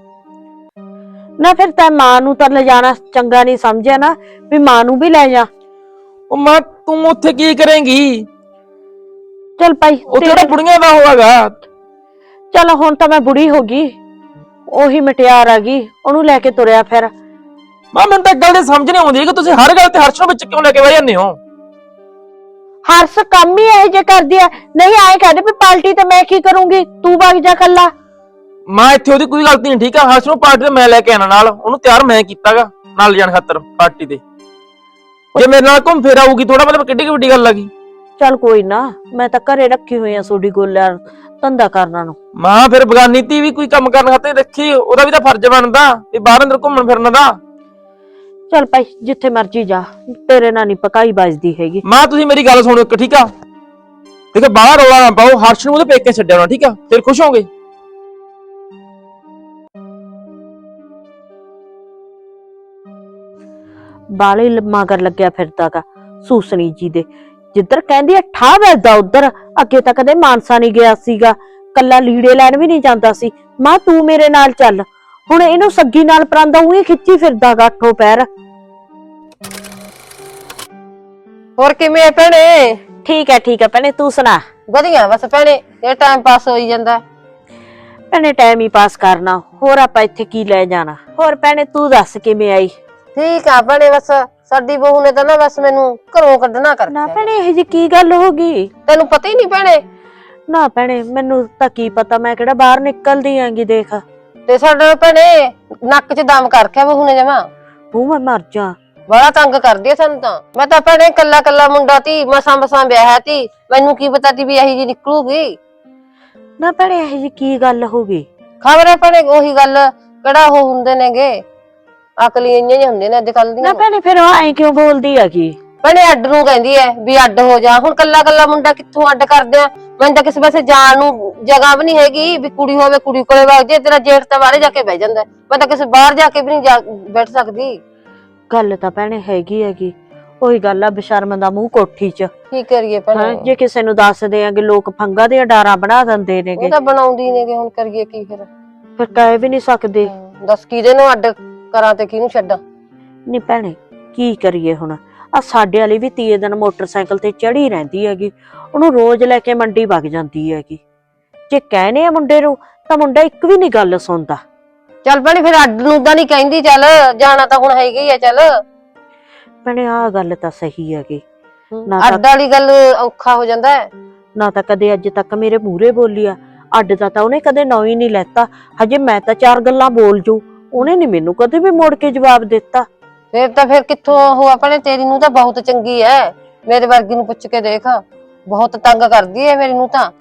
A: ਨਾ ਫਿਰ ਤਾਂ ਮਾਂ ਨੂੰ ਤਾਂ ਲਿਜਾਣਾ ਚੰਗਾ ਨਹੀਂ ਸਮਝਿਆ ਨਾ ਵੀ ਮਾਂ ਨੂੰ ਵੀ ਲੈ ਜਾ।
B: ਉਹ ਮਾਂ ਤੂੰ ਉੱਥੇ ਕੀ ਕਰੇਂਗੀ?
A: ਚੱਲ ਭਾਈ
B: ਉੱਥੇ ਤਾਂ ਬੁੜੀਆਂ ਦਾ ਹੋਵੇਗਾ।
A: ਚਲ ਹੁਣ ਤਾਂ ਮੈਂ ਬੁੜੀ ਹੋ ਗਈ, ਉਹੀ ਮਟਿਆਰ ਆ ਗਈ, ਉਹਨੂੰ ਲੈ ਕੇ ਤੁਰਿਆ ਫਿਰ।
B: ਮਾਂ ਮੈਨੂੰ ਤਾਂ ਇੱਕ ਗੱਲ ਦੀ ਸਮਝ ਨਹੀਂ ਆਉਂਦੀ ਕਿ ਤੁਸੀਂ ਹਰ ਗੱਲ ਤੇ ਹਰਸ਼ ਨੂੰ ਵਿੱਚ ਕਿਉਂ ਲੈ ਕੇ ਬਹਿ ਜਾਂਦੇ ਹੋ?
A: ਹਰਸ ਕੰਮ ਹੀ ਇਹ ਜੇ ਕਰਦੀ ਆ। ਨਹੀਂ ਆਏ ਕਹਿੰਦੇ ਵੀ ਪਾਰਟੀ ਤੇ ਮੈਂ ਕੀ ਕਰੂੰਗੀ, ਤੂੰ ਵਗ ਜਾ ਕੱਲਾ।
B: ਮਾਂ ਇੱਥੇ ਉਹਦੀ ਕੋਈ ਗਲਤੀ ਨਹੀਂ, ਠੀਕ ਆ? ਹਰਸ਼ ਨੂੰ ਪਾਰਟੀ ਤੇ ਮੈਂ ਲੈ ਕੇ ਆਣਾ ਨਾਲ, ਉਹਨੂੰ ਤਿਆਰ ਮੈਂ ਕੀਤਾਗਾ ਨਾਲ ਜਾਣ ਖਾਤਰ ਪਾਰਟੀ ਤੇ। ਜੇ ਮੇਰੇ ਨਾਲ ਘੁੰਮ ਫਿਰ ਆਊਗੀ ਥੋੜਾ, ਮਤਲਬ ਕਿੱਡੀ ਵੱਡੀ ਗੱਲ ਆ ਗਈ।
A: ਚੱਲ ਕੋਈ ਨਾ, ਮੈਂ ਤਾਂ ਘਰੇ ਰੱਖੀ ਹੋਈ ਆ ਤੁਹਾਡੀ ਗੋਲਿਆਂ ਧੰਦਾ ਕਰਨਾ ਨੂੰ।
B: ਮਾਂ ਫਿਰ ਬਗਾਨੀ ਧੀ ਵੀ ਕੋਈ ਕੰਮ ਕਰਨ ਖਾਤੇ ਰੱਖੀ, ਉਹਦਾ ਵੀ ਤਾਂ ਫਰਜ਼ ਬਣਦਾ ਵੀ ਬਾਹਰ ਅੰਦਰ ਘੁੰਮਣ ਫਿਰਨ ਦਾ।
A: ਚੱਲ ਭਾਈ ਜਿੱਥੇ ਮਰਜੀ ਜਾ, ਤੇਰੇ ਨਾਲ ਨਹੀਂ ਪਕਾਈ ਵੱਜਦੀ ਹੈਗੀ।
B: ਮਾਂ ਤੁਸੀਂ ਮੇਰੀ ਗੱਲ ਸੁਣੋ ਇੱਕ, ਠੀਕ ਆ? ਦੇਖੋ ਬਾਹਰ ਰੌਲਾ ਨਾ ਪਾਓ, ਹਰਸ਼ ਨੂੰ ਉਹਦੇ ਪੇਕੇ ਛੱਡਿਆ ਹੋਣਾ, ਠੀਕ ਆ? ਫਿਰ ਖੁਸ਼ ਹੋਗੇ।
A: ਬਾਲੇ ਮਗਰ ਲੱਗਿਆ ਫਿਰਦਾਗਾ ਸੂਸਣੀ ਜੀ ਦੇ, ਜਿੱਧਰ ਕਹਿੰਦੀ ਆ ਠਾ ਵੱਜਦਾ ਉਧਰ। ਅੱਗੇ ਤਾਂ ਕਦੇ ਮਾਨਸਾ ਨਹੀਂ ਗਿਆ ਸੀਗਾ, ਕੱਲਾ ਲੀੜੇ ਲੈਣ ਵੀ ਨਹੀਂ ਜਾਂਦਾ ਸੀ। ਮਾਂ ਤੂੰ ਮੇਰੇ ਨਾਲ ਚੱਲ, ਹੁਣ ਇਹਨੂੰ ਸੱਗੀ ਨਾਲ ਪਰਾਂਦਾ ਉਹੀ ਖਿੱਚੀ ਫਿਰਦਾਗਾ ਅੱਠੋ ਪੈਰ।
D: ਹੋਰ ਕਿਵੇਂ ਆ ਭੈਣੇ?
A: ਠੀਕ ਹੈ ਠੀਕ ਹੈ ਭੈਣੇ, ਤੂੰ ਸੁਣਾ?
D: ਵਧੀਆ ਬਸ ਭੈਣੇ, ਇਹ ਟਾਈਮ ਪਾਸ ਹੋਈ ਜਾਂਦਾ।
A: ਭੈਣੇ ਟਾਈਮ ਹੀ ਪਾਸ ਕਰਨਾ, ਹੋਰ ਆਪਾਂ ਇੱਥੇ ਕੀ ਲੈ ਜਾਣਾ। ਹੋਰ ਭੈਣੇ ਤੂੰ ਦੱਸ ਕਿਵੇਂ ਆਈ?
D: ਠੀਕ ਆ ਭੈਣੇ, ਬਸ ਸਾਡੀ ਬਹੂ ਨੇ ਤਾਂ ਨਾ ਬਸ ਮੈਨੂੰ ਘਰੋਂ ਕੱਢਣਾ ਕਰ
A: ਨਾ ਭੈਣੇ ਇਹ ਜੀ ਕੀ ਗੱਲ ਹੋ ਗਈ?
D: ਤੈਨੂੰ ਪਤਾ ਹੀ ਨਹੀਂ ਭੈਣੇ?
A: ਨਾ ਭੈਣੇ ਮੈਨੂੰ ਤਾਂ ਕੀ ਪਤਾ, ਮੈਂ ਕਿਹੜਾ ਬਾਹਰ ਨਿਕਲਦੀ ਆਂਗੀ। ਦੇਖ
D: ਤੇ ਸਾਡਾ ਭੈਣੇ ਨੱਕ 'ਚ ਦਮ ਕਰ ਰੱਖਿਆ ਬਹੂ ਨੇ ਜਮਾ।
A: ਉਹ ਮੈਂ ਮਰ ਜਾ,
D: ਬੜਾ ਤੰਗ ਕਰਦੀ ਆ ਸਾਨੂੰ ਤਾਂ। ਮੈਂ ਤਾਂ ਭੈਣੇ ਕੱਲਾ ਕੱਲਾ ਮੁੰਡਾ ਤੀ, ਮਸਾਂ ਮਸਾਂ ਵਿਆਹਿਆ ਤੀ, ਮੈਨੂੰ ਕੀ ਪਤਾ ਤੀ ਵੀ ਇਹੀ ਜੀ ਨਿਕਲੂਗੀ।
A: ਨਾ ਭੈਣੇ ਇਹ ਜੀ ਕੀ ਗੱਲ ਹੋ ਗਈ?
D: ਖਬਰ ਹੈ ਭੈਣੇ, ਉਹੀ ਗੱਲ ਕਿਹੜਾ ਉਹ ਹੁੰਦੇ ਨੇਗੇ, ਅਕਲੀ ਇੰਨੇ ਜਿਹੇ ਹੁੰਦੇ ਨੇ ਅੱਜ ਕੱਲ ਦੀਆਂ।
A: ਨਾ ਭੈਣੇ ਫਿਰ ਉਹ ਐਂ ਕਿਉਂ ਬੋਲਦੀ ਹੈਗੀ?
D: ਭੈਣੇ ਅੱਡ ਨੂੰ ਕਹਿੰਦੀ ਐ ਵੀ ਅੱਡ ਹੋ ਜਾ। ਹੁਣ ਕੱਲਾ ਕੱਲਾ ਮੁੰਡਾ ਕਿੱਥੋਂ ਅੱਡ ਕਰਦੇ ਆ? ਮੈਨੂੰ ਤਾਂ ਕਿਸੇ ਪਾਸੇ ਜਾਣ ਨੂੰ ਜਗ੍ਹਾ ਵੀ ਨਹੀਂ ਹੈਗੀ ਵੀ ਕੁੜੀ ਹੋਵੇ ਕੁੜੀ ਕੋਲੇ ਵਗ ਜੇ। ਤੇਰਾ ਜੇਠ ਤਾਂ ਬਾਹਰੇ ਜਾ ਕੇ ਬਹਿ ਜਾਂਦਾ, ਮੈਂ ਤਾਂ ਕਿਸੇ ਬਾਹਰ ਜਾ ਕੇ ਵੀ ਨਹੀਂ ਬੈਠ ਸਕਦੀ।
A: ਗੱਲ ਤਾਂ ਭੈਣੇ ਹੈਗੀ ਹੈਗੀ, ਉਹੀ ਗੱਲ ਆ ਬਸ਼ਰਮ ਦਾ ਮੂੰਹ ਕੋਠੀ 'ਚ।
D: ਕੀ ਕਰੀਏ ਭੈਣੇ,
A: ਜੇ ਕਿਸੇ ਨੂੰ ਦੱਸਦੇ ਆਂਗੇ ਲੋਕ ਫੰਗਾ ਦੀਆਂ ਡਾਰਾਂ ਬਣਾ ਦਿੰਦੇ ਨੇਗੇ।
D: ਉਹ ਤਾਂ ਬਣਾਉਂਦੀ ਨੇਗੇ, ਹੁਣ ਕਰੀਏ ਕੀ ਫਿਰ?
A: ਫਿਰ ਕਹਿ ਵੀ ਨਹੀਂ ਸਕਦੇ।
D: ਦੱਸ ਕਿਹਦੇ ਨੂੰ ਅੱਡ ਕਰਾਂ ਤੇ ਕਿਹਨੂੰ ਛੱਡਾਂ?
A: ਨਹੀਂ ਭੈਣੇ ਕੀ ਕਰੀਏ ਹੁਣ? ਆ ਸਾਡੇ ਵਾਲੀ ਵੀ ਤੀਏ ਦਿਨ ਮੋਟਰਸਾਈਕਲ ਤੇ ਚੜੀ ਰਹਿੰਦੀ ਹੈਗੀ, ਉਹਨੂੰ ਰੋਜ਼ ਲੈ ਕੇ ਮੰਡੀ ਵਗ ਜਾਂਦੀ ਹੈਗੀ। ਜੇ ਕਹਿਨੇ ਆ ਮੁੰਡੇ ਨੂੰ ਤਾਂ ਮੁੰਡਾ ਇੱਕ ਵੀ ਨਹੀਂ ਗੱਲ ਸੁਣਦਾ।
D: ਚੱਲ ਭੈਣੇ ਫਿਰ ਅੱਡ ਨੂੰ ਤਾਂ ਨਹੀਂ ਕਹਿੰਦੀ, ਚੱਲ ਜਾਣਾ ਤਾਂ ਹੁਣ ਹੈਗਾ ਹੀ ਆ। ਚੱਲ
A: ਭੈਣੇ ਆਹ ਗੱਲ ਤਾਂ ਸਹੀ ਹੈਗੀ, ਨਾ
D: ਅੱਡ ਵਾਲੀ ਗੱਲ ਔਖਾ ਹੋ ਜਾਂਦਾ ਹੈ।
A: ਨਾ ਤਾਂ ਕਦੇ ਅੱਜ ਤੱਕ ਮੇਰੇ ਮੂਹਰੇ ਬੋਲੀ ਆ, ਅੱਡ ਦਾ ਤਾਂ ਉਹਨੇ ਕਦੇ ਨਾਂ ਹੀ ਨਹੀਂ ਲੈਤਾ। ਹਜੇ ਮੈਂ ਤਾਂ ਚਾਰ ਗੱਲਾਂ ਬੋਲ ਜੂ, ਉਹਨੇ ਨੀ ਮੈਨੂੰ ਕਦੇ ਵੀ ਮੋੜ ਕੇ ਜਵਾਬ ਦਿੱਤਾ।
D: ਫਿਰ ਤਾਂ ਫਿਰ ਕਿੱਥੋਂ ਉਹ ਆਪਣੇ, ਤੇਰੀ ਨੂੰ ਤਾਂ ਬਹੁਤ ਚੰਗੀ ਐ, ਮੇਰੇ ਵਰਗੀ ਨੂੰ ਪੁੱਛ ਕੇ ਦੇਖ, ਬਹੁਤ ਤੰਗ ਕਰਦੀ ਐ ਮੇਰੀ ਨੂੰ ਤਾਂ।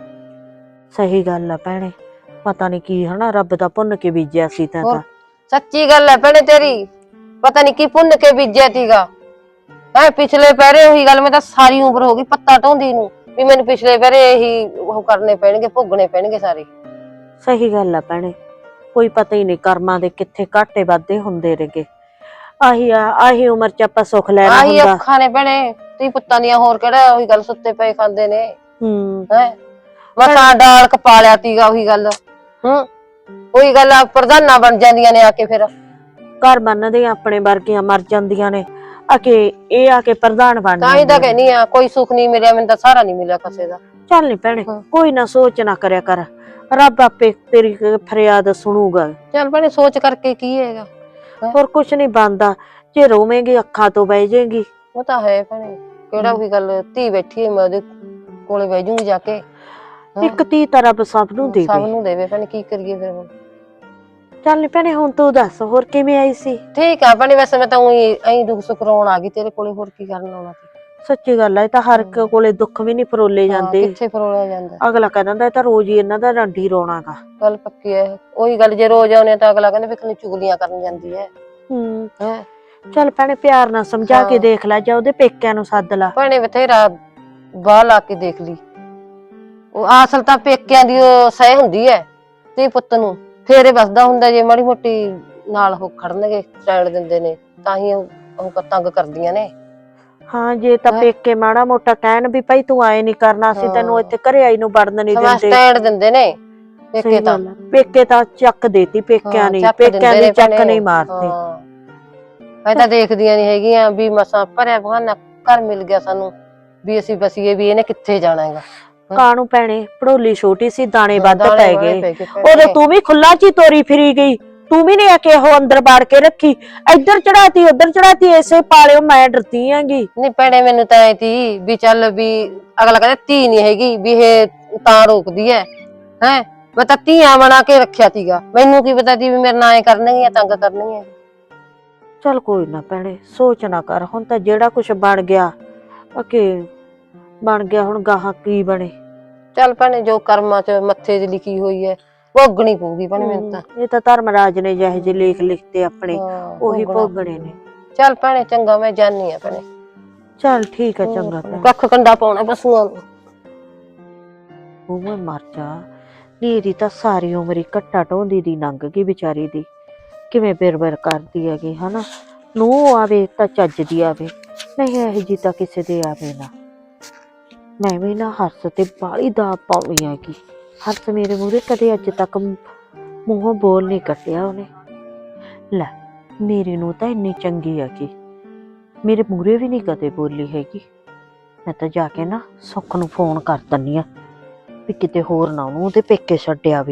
A: ਸਹੀ ਗੱਲ ਆ ਭੈਣੇ, ਪਤਾ ਨੀ ਕੀ ਹਨਾ ਰੱਬ ਦਾ ਭੁੰਨ ਕੇ ਬੀਜਿਆ ਸੀ ਤਾਂ। ਤਾਂ
D: ਸੱਚੀ ਗੱਲ ਐ ਭੈਣੇ ਤੇਰੀ, ਪਤਾ ਨੀ ਕੀ ਭੁੰਨ ਕੇ ਬੀਜਿਆ ਸੀਗਾ। ਹੈ ਪਿਛਲੇ ਪਹਿਰੇ ਉਹੀ ਗੱਲ, ਮੈਂ ਤਾਂ ਸਾਰੀ ਉਮਰ ਹੋ ਗਈ ਪੱਤਾ ਢੋਂਦੀ ਨੂੰ ਵੀ ਮੈਨੂੰ ਪਿਛਲੇ ਪਹਿਰੇ ਇਹੀ ਉਹ ਕਰਨੇ ਪੈਣਗੇ, ਭੋਗਣੇ ਪੈਣਗੇ ਸਾਰੇ।
A: ਸਹੀ ਗੱਲ ਆ ਭੈਣੇ, ਕੋਈ ਪਤਾ ਹੀ ਨਹੀਂ ਕਰਮਾਂ ਦੇ ਕਿੱਥੇ ਘਾਟੇ ਵਾਧੇ ਹੁੰਦੇ ਨੇਗੇ। ਆਹੀ ਆ ਆਹੀ ਉਮਰ ਚ ਆਪਾਂ ਸੁੱਖ ਲੈਣਾ
D: ਆਹੀ
A: ਹੁੰਦਾ।
D: ਅੱਖਾਂ ਨੇ ਭੈਣੇ ਤੀ ਪੁੱਤਾਂ ਦੀਆਂ, ਹੋਰ ਕਿਹੜਾ ਉਹੀ ਗੱਲ ਸੁੱਤੇ ਪਏ ਖਾਂਦੇ ਨੇ।
A: ਹੂੰ
D: ਹੈ ਮਸਾਂ ਡਾਲ ਕਪਾ ਲਿਆ ਤੀਗਾ, ਉਹੀ ਗੱਲ। ਹੂੰ ਉਹੀ ਗੱਲ ਆ, ਪ੍ਰਧਾਨਾਂ ਬਣ ਜਾਂਦੀਆਂ ਨੇ ਆ ਕੇ, ਫਿਰ
A: ਘਰ ਬੰਨਦੇ ਆਪਣੇ ਵਰਗੀਆਂ ਮਰ ਜਾਂਦੀਆਂ ਨੇ ਆ ਕੇ, ਇਹ ਆ ਕੇ ਪ੍ਰਧਾਨ ਬਣ
D: ਤਾਂ ਹੀ ਤਾਂ ਕਹਿਨੀ ਆ, ਕੋਈ ਸੁੱਖ ਨਹੀਂ ਮਿਲਿਆ ਮੈਨੂੰ ਤਾਂ, ਸਾਰਾ ਨਹੀਂ ਮਿਲਿਆ ਕਿਸੇ ਦਾ।
A: ਚੱਲ ਨੀ ਭੈਣੇ ਕੋਈ ਨਾ ਸੋਚ ਨਾ ਕਰਿਆ ਕਰ, ਰੱਬ ਆਪੇ ਤੇਰੀ ਫਰਿਆਦ ਸੁਣੂਗਾ।
D: ਚੱਲ ਭੈਣੇ ਸੋਚ ਕਰਕੇ ਕੀ ਹੈਗਾ,
A: ਹੋਰ ਕੁਛ ਨਹੀਂ ਬਣਦਾ, ਜੇ ਰੋਵੇਂਗੀ ਅੱਖਾਂ ਤੋਂ ਬਹਿ ਜਾਏਗੀ।
D: ਉਹ ਤਾਂ ਹੈ ਭੈਣੇ, ਕਿਹੜਾ ਉਹੀ ਗੱਲ ਧੀ ਬੈਠੀ ਹੈ, ਮੈਂ ਉਹਦੇ ਕੋਲੇ ਬਹਿ ਜੂੰਗੀ ਜਾ ਕੇ।
A: ਇੱਕ ਧੀ ਤਾਂ ਰੱਬ ਸਭ ਨੂੰ ਦੇਵੇ,
D: ਸਭ ਨੂੰ ਦੇਵੇ ਭੈਣੇ, ਕੀ ਕਰੀਏ ਫਿਰ ਹੁਣ।
A: ਚੱਲ ਨੀ ਭੈਣੇ ਹੁਣ ਤੂੰ ਦੱਸ ਹੋਰ ਕਿਵੇਂ ਆਈ ਸੀ?
D: ਠੀਕ ਆ ਭੈਣੇ, ਵੈਸੇ ਮੈਂ ਤਾਂ ਉਹੀ ਐਂ ਦੁੱਖ ਸੁੱਖ ਰੋਣ ਆ ਗਈ ਤੇਰੇ ਕੋਲੇ, ਹੋਰ ਕੀ ਕਰਨ ਆਉਣਾ ਸੀ।
A: ਸੱਚੀ ਗੱਲ ਹੈ, ਇਹ ਤਾਂ ਹਰ ਇੱਕ ਕੋਲੇ ਦੁੱਖ ਵੀ ਨਹੀਂ ਫਰੋਲੇ ਜਾਂਦੇ।
D: ਕਿੱਥੇ ਫਰੋਲਿਆ ਜਾਂਦਾ,
A: ਅਗਲਾ ਕਹਿ ਦਿੰਦਾ ਇਹ ਤਾਂ ਰੋਜ਼ ਹੀ ਇਹਨਾਂ ਦਾ ਡੰਡੀ ਰੋਣਾਗਾ।
D: ਗੱਲ ਪੱਕੀ ਹੈ, ਉਹੀ ਗੱਲ ਜੇ ਰੋਜ਼ ਆਉਨੇ ਤਾਂ ਅਗਲਾ ਕਹਿੰਦਾ ਵੀ ਕਿੰਨੀ ਚੁਗਲੀਆਂ ਕਰਨ ਜਾਂਦੀ ਹੈ।
A: ਹੂੰ
D: ਹੈ
A: ਚੱਲ ਭੈਣੇ ਪਿਆਰ ਨਾਲ ਸਮਝਾ ਕੇ ਦੇਖ ਲੈ, ਜਾਂ ਉਹਦੇ ਪੇਕਿਆਂ ਨੂੰ ਸੱਦ ਲਾ।
D: ਭੈਣੇ ਬਥੇਰਾ ਬਾਹ ਲਾ ਕੇ ਦੇਖ ਲਈ, ਉਹ ਅਸਲ ਤਾਂ ਪੇਕਿਆਂ ਦੀ ਉਹ ਸਹਿ ਹੁੰਦੀ ਹੈ ਤੇ ਪੁੱਤ ਨੂੰ ਫੇਰੇ ਵਸਦਾ ਹੁੰਦਾ। ਜੇ ਮਾੜੀ ਮੋਟੀ ਨਾਲ ਉਹ ਖੜਨਗੇ, ਸਟੈਂਡ ਦਿੰਦੇ ਨੇ, ਤਾਂ ਹੀ ਉਹ ਤੰਗ ਕਰਦੀਆਂ ਨੇ।
A: ਹਾਂ ਜੇ ਤਾਂ ਪੇਕੇ ਮਾੜਾ ਮੋਟਾ ਕਹਿਣ ਵੀ ਭਾਈ ਤੂੰ ਆਏ ਨੀ ਕਰਨਾ, ਅਸੀਂ ਤੈਨੂੰ ਇੱਥੇ ਘਰੇ ਆਈ ਨੂੰ ਵੜਨ ਨਹੀਂ ਦਿੰਦੇ,
D: ਸਟੈਂਡ ਦਿੰਦੇ ਨੇ ਪੇਕੇ ਤਾਂ।
A: ਪੇਕੇ ਤਾਂ ਚੱਕ ਦੇਤੀ ਪੇਕਿਆਂ ਨੇ, ਪੇਕਿਆਂ ਦੀ ਚੱਕ ਨਹੀਂ ਮਾਰਦੇ।
D: ਮੈਂ ਤਾਂ ਦੇਖਦੀਆਂ ਨੀ ਹੈਗੀਆਂ ਵੀ ਮਸਾਂ ਭਰਿਆ ਬਹਾਨਾ ਘਰ ਮਿਲ ਗਿਆ ਸਾਨੂੰ ਵੀ ਅਸੀਂ ਬਸੀਏ, ਵੀ ਇਹਨੇ ਕਿੱਥੇ ਜਾਣਾ ਹੈਗਾ।
A: ਕਾਹਨੂੰ ਭੈਣੇ ਪੜੋਲੀ ਛੋਟੀ ਸੀ, ਦਾਣੇ ਵੱਧ ਪੈ ਗਏ,
D: ਉਦੋਂ
A: ਉਦੋਂ ਤੂੰ ਵੀ ਖੁੱਲਾ ਚ ਹੀ ਤੋਰੀ ਫਿਰੀ ਗਈ, ਤੂੰ ਵੀ ਨਹੀਂ ਆ ਕੇ ਉਹ ਅੰਦਰ ਬਾੜ ਕੇ ਰੱਖੀ, ਇੱਧਰ ਚੜਾਤੀ ਉੱਧਰ ਚੜਾਤੀ, ਐਸੇ ਪਾਲਿਓ ਮੈਂ ਡਰਦੀ ਆਂਗੀ।
D: ਨਹੀਂ ਭੈਣੇ ਮੈਨੂੰ ਤਾਂ ਐ ਤੀ ਵੀ ਚੱਲ ਵੀ ਅਗਲਾ ਕਹਿੰਦਾ ਧੀ ਨਹੀਂ ਹੈਗੀ ਵੀ ਇਹ ਤਾਂ ਰੋਕਦੀ ਹੈ। ਹੈ ਮੈਂ ਤਾਂ ਧੀਆਂ ਬਣਾ ਕੇ ਰੱਖਿਆ ਸੀਗਾ, ਮੈਨੂੰ ਕੀ ਪਤਾ ਸੀ ਵੀ ਮੇਰੇ ਨਾਲ ਐ ਕਰਨਗੀਆਂ, ਤੰਗ ਕਰਨਗੀਆਂ।
A: ਚੱਲ ਕੋਈ ਨਾ ਭੈਣੇ ਸੋਚ ਨਾ ਕਰ, ਹੁਣ ਤਾਂ ਜਿਹੜਾ ਕੁਛ ਬਣ ਗਿਆ ਅਕੇ ਬਣ ਗਿਆ ਹੁਣ ਗਾਹਾਂ ਕੀ ਬਣੇ।
D: ਚੱਲ ਭੈਣੇ ਜੋ ਕਰਮਾਂ ਚ ਮੱਥੇ 'ਚ ਲਿਖੀ ਹੋਈ ਹੈ ਭੋਗਣੀ ਪਊਗੀ ਭੈਣੇ ਮੈਨੂੰ ਤਾਂ।
A: ਇਹ ਤਾਂ ਧਰਮਰਾਜ ਨੇ ਜਿਹੇ ਜਿਹੇ ਲੇਖ ਲਿਖਤੇ ਆਪਣੇ
D: ਹਾਂ,
A: ਉਹੀ
D: ਭੋਗਣਾ
A: ਭੋਗਣੇ ਨੇ।
D: ਚੱਲ ਭੈਣੇ ਚੰਗਾ ਮੈਂ ਜਾਨੀ ਆ ਭੈਣੇ।
A: ਚੱਲ ਠੀਕ ਆ ਚੰਗਾ ਭੈਣ।
D: ਕੱਖ ਕੰਡਾ ਪਾਉਣਾ ਪਸ਼ੂਆਂ ਨੂੰ।
A: ਉਹ ਮੈਂ ਮਰ ਜਾ ਨੀ, ਇਹਦੀ ਤਾਂ ਸਾਰੀ ਉਮਰ ਹੀ ਘੱਟਾ ਢੋਂਦੀ ਦੀ ਲੰਘ ਗਈ ਵਿਚਾਰੀ ਦੀ। ਕਿਵੇਂ ਬਿਰ-ਬਿਰ ਕਰਦੀ ਹੈਗੀ ਹਨਾ। ਨੂੰ ਆਵੇ ਤਾਂ ਚੱਜ ਦੀ ਆਵੇ, ਨਹੀਂ ਇਹੋ ਜੀ ਤਾਂ ਕਿਸੇ ਦੇ ਆਵੇ ਨਾ। ਮੈਂ ਵੀ ਨਾ ਹਰਸ ਤੇ ਬਾਹਲੀ ਦਾ ਪਾਉਣੀ ਹੈਗੀ। ਹਰਸ ਮੇਰੇ ਮੂਹਰੇ ਕਦੇ ਅੱਜ ਤੱਕ ਮੂੰਹੋਂ ਬੋਲ ਨਹੀਂ ਕੱਟਿਆ ਉਹਨੇ। ਲੈ ਮੇਰੀ ਨੂੰ ਤਾਂ ਇੰਨੀ ਚੰਗੀ ਹੈਗੀ, ਮੇਰੇ ਮੂਹਰੇ ਵੀ ਨਹੀਂ ਕਦੇ ਬੋਲੀ ਹੈਗੀ। ਮੈਂ ਤਾਂ ਜਾ ਕੇ ਨਾ ਸੁੱਖ ਨੂੰ ਫੋਨ ਕਰ ਦਿੰਦੀ ਆ ਵੀ ਕਿਤੇ ਹੋਰ ਨਾ ਉਹਨੂੰ ਉਹਦੇ ਪੇਕੇ ਛੱਡ ਆਵੇ।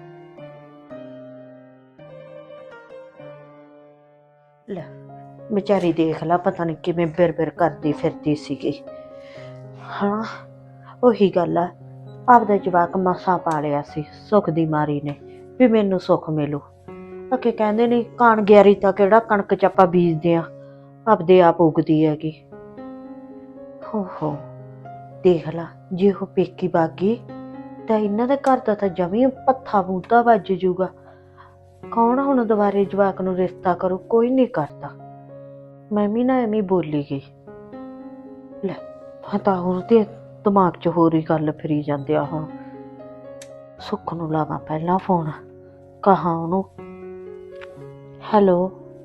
A: ਲੈ ਵਿਚਾਰੀ ਦੇਖ ਲਾ ਪਤਾ ਨਹੀਂ ਕਿਵੇਂ ਬਿਰ-ਬਿਰ ਕਰਦੀ ਫਿਰਦੀ ਸੀਗੀ। ਹਾਂ ਉਹੀ ਗੱਲ ਆ, ਆਪਦਾ ਜਵਾਕ ਮਸਾਂ ਪਾਲਿਆ ਸੀ ਸੁੱਖ ਦੀ ਮਾਰੀ ਨੇ ਵੀ ਮੈਨੂੰ ਸੁੱਖ ਮਿਲੂ। ਅੱਗੇ ਕਹਿੰਦੇ ਨੇ ਕਾਣ ਗਿਆਰੀ ਤਾਂ ਕਿਹੜਾ ਕਣਕ ਚ ਆਪਾਂ ਬੀਜਦੇ ਆ, ਆਪਦੇ ਆਪ ਉਗਦੀ ਹੈਗੀ। ਹੋ ਹੋ ਦੇਖ ਲਾ ਜੇ ਉਹ ਪੇਕੀ ਬਾਗੀ ਤਾਂ ਇਹਨਾਂ ਦੇ ਘਰ ਦਾ ਤਾਂ ਜਮੀ ਪੱਥਾ ਬੂਤਾ ਵੱਜ ਜੂਗਾ। ਕੌਣ ਹੁਣ ਦੁਬਾਰੇ ਜਵਾਕ ਨੂੰ ਰਿਸ਼ਤਾ ਕਰੂ, ਕੋਈ ਨਹੀਂ ਕਰਦਾ। ਮੈਂ ਵੀ ਨਾ ਐਵੇਂ ਬੋਲੀ ਗਈ। ਲੈ ਤਾਂ ਉਹਦੇ ਦਿਮਾਗ 'ਚ ਹੋਰ ਹੀ ਗੱਲ ਫਿਰੀ ਜਾਂਦੇ ਆ। ਹੁਣ ਸੁੱਖ ਨੂੰ ਲਾਵਾਂ ਪਹਿਲਾਂ ਫੋਨ, ਕਹਾਂ ਉਹਨੂੰ ਹੈਲੋ।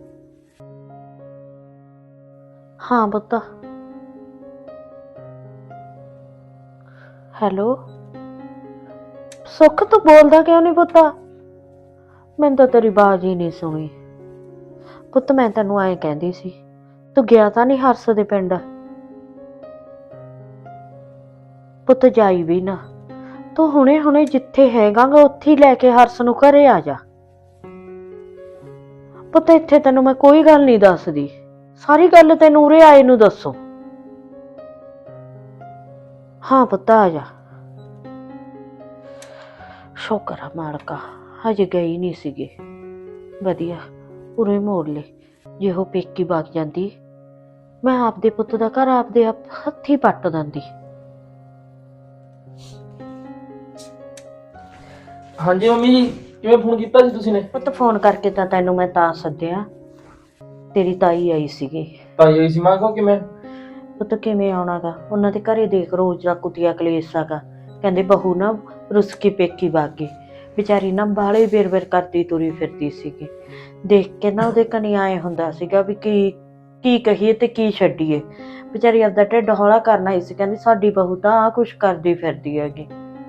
A: ਹਾਂ ਪੁੱਤ ਹੈਲੋ। ਸੁੱਖ ਤੂੰ ਬੋਲਦਾ ਕਿਉਂ ਨਹੀਂ ਪੁੱਤ? ਮੈਨੂੰ ਤਾਂ ਤੇਰੀ ਆਵਾਜ਼ ਹੀ ਨਹੀਂ ਸੁਣੀ ਪੁੱਤ। ਮੈਂ ਤੈਨੂੰ ਐਂ ਕਹਿੰਦੀ ਸੀ ਤੂੰ ਗਿਆ ਤਾਂ ਨਹੀਂ ਹਰਸ ਦੇ ਪਿੰਡ? ਪੁੱਤ ਜਾਈ ਵੀ ਨਾ, ਤੂੰ ਹੁਣੇ ਹੁਣੇ ਜਿੱਥੇ ਹੈਗਾਗਾ ਉੱਥੇ ਹੀ ਲੈ ਕੇ ਹਰਸ ਨੂੰ ਘਰੇ ਆ ਜਾ ਪੁੱਤ। ਇੱਥੇ ਤੈਨੂੰ ਮੈਂ ਕੋਈ ਗੱਲ ਨਹੀਂ ਦੱਸਦੀ, ਸਾਰੀ ਗੱਲ ਤੈਨੂੰ ਉਰੇ ਆਏ ਨੂੰ ਦੱਸੋ। ਹਾਂ ਪੁੱਤ ਆ ਜਾ। ਸ਼ੁਕਰ ਆ ਮਾਲਕਾ ਹਜੇ ਗਈ ਨਹੀਂ ਸੀਗੇ, ਵਧੀਆ ਉਰੇ ਮੋੜ ਲੈ। ਜੇ ਉਹ ਪੇਕੀ ਵਗ ਜਾਂਦੀ ਮੈਂ ਆਪਦੇ ਪੁੱਤ ਦਾ ਘਰ ਆਪਦੇ ਆਪ ਹੱਥੀ ਪੱਟ ਦਿੰਦੀ।
B: ਹਾਂਜੀ ਮੰਮੀ ਜੀ, ਕਿਵੇਂ ਫੋਨ ਕੀਤਾ ਸੀ ਤੁਸੀਂ ਨੇ?
A: ਪੁੱਤ ਫੋਨ ਕਰਕੇ ਤਾਂ ਤੈਨੂੰ ਮੈਂ ਤਾਂ ਸੱਦਿਆ, ਤੇਰੀ ਤਾਈ ਆਈ ਸੀਗੀ।
B: ਤਾਈ ਆਈ ਸੀ? ਮੈਂ ਕਿਹਾ ਕਿਵੇਂ?
A: ਪੁੱਤ ਕਿਵੇਂ ਆਉਣਾਗਾ, ਉਹਨਾਂ ਦੇ ਘਰੇ ਦੇਖ ਰੋਜ਼ ਦਾ ਕੁੱਤਿਆ ਕਲੇਸ਼ ਹੈਗਾ। ਕਹਿੰਦੇ ਬਹੂ ਨਾ ਰੁੱਸ ਕੇ ਪੇਕੀ ਵਗ ਗਈ, ਵਿਚਾਰੀ ਨਾ ਬਾਹਲੇ ਬਿਰ-ਬਿਰ ਕਰਦੀ ਤੁਰੀ ਫਿਰਦੀ ਸੀਗੀ। ਦੇਖ ਕੇ ਨਾ ਉਹਦੇ ਕਨੀ ਆਏ ਹੁੰਦਾ ਸੀਗਾ ਵੀ ਕੀ ਕੀ ਕਹੀਏ ਤੇ ਕੀ ਛੱਡੀਏ। ਵਿਚਾਰੀ ਆਪਦਾ ਢਿੱਡ ਹੌਲਾ ਕਰਨਾ ਹੀ ਸੀ, ਕਹਿੰਦੀ ਸਾਡੀ ਬਹੂ ਤਾਂ ਆਹ ਕੁਛ ਕਰਦੀ ਫਿਰਦੀ ਹੈਗੀ।